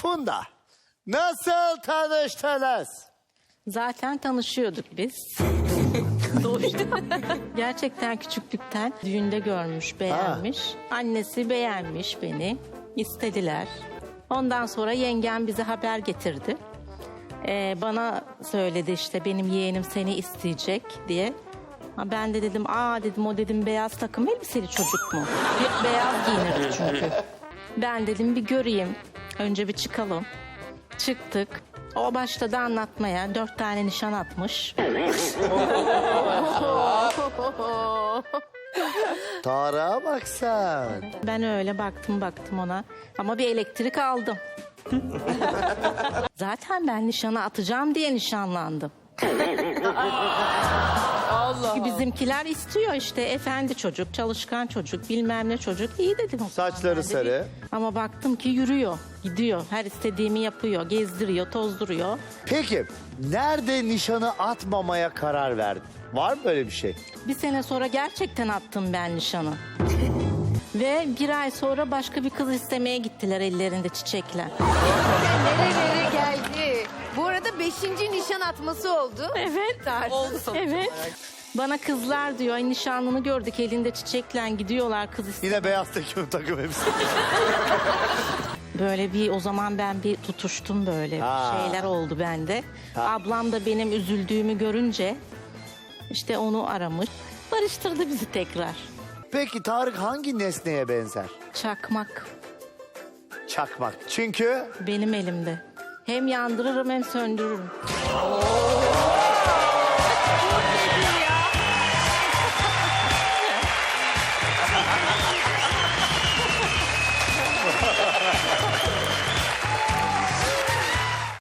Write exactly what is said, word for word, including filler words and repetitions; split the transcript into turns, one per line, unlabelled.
Funda, nasıl tanıştınız?
Zaten tanışıyorduk biz. Doğuşta. Gerçekten küçüklükten düğünde görmüş, beğenmiş. Annesi beğenmiş beni. İstediler. Ondan sonra yengem bize haber getirdi. Ee, bana söyledi işte benim yeğenim seni isteyecek diye. Ha, ben de dedim aa dedim o dedim beyaz takım elbiseli çocuk mu? Hep beyaz giyinirdi çünkü. Ben dedim bir göreyim. Önce bir çıkalım. Çıktık. O başladı anlatmaya. Dört tane nişan atmış.
Tarık'a bak sen.
Ben öyle baktım baktım ona. Ama bir elektrik aldım. Zaten ben nişana atacağım diye nişanlandım.
Allah.
Çünkü bizimkiler istiyor işte efendi çocuk, çalışkan çocuk, bilmem ne çocuk. İyi dedim o zaman
Saçları
ben de.
sarı.
Ama baktım ki yürüyor, gidiyor. Her istediğimi yapıyor, gezdiriyor, tozduruyor.
Peki, nerede nişanı atmamaya karar verdin? Var mı böyle bir şey?
Bir sene sonra gerçekten attım ben nişanı. Ve bir ay sonra başka bir kız istemeye gittiler ellerinde çiçekler.
Nerelere geldi? Bu arada beşinci nişan atması oldu.
Evet.
Oldu sonuç
Evet.
olarak.
Bana kızlar diyor, ay nişanlını gördük elinde çiçekle gidiyorlar kız istemeye.
Yine beyaz takım takım hepsi.
Böyle bir o zaman ben bir tutuştum böyle
Ha.
şeyler oldu bende.
Ha.
Ablam da benim üzüldüğümü görünce işte onu aramış. Barıştırdı bizi tekrar.
Peki Tarık hangi nesneye benzer?
Çakmak
Çakmak. Çünkü
benim elimde. Hem yandırırım hem söndürürüm.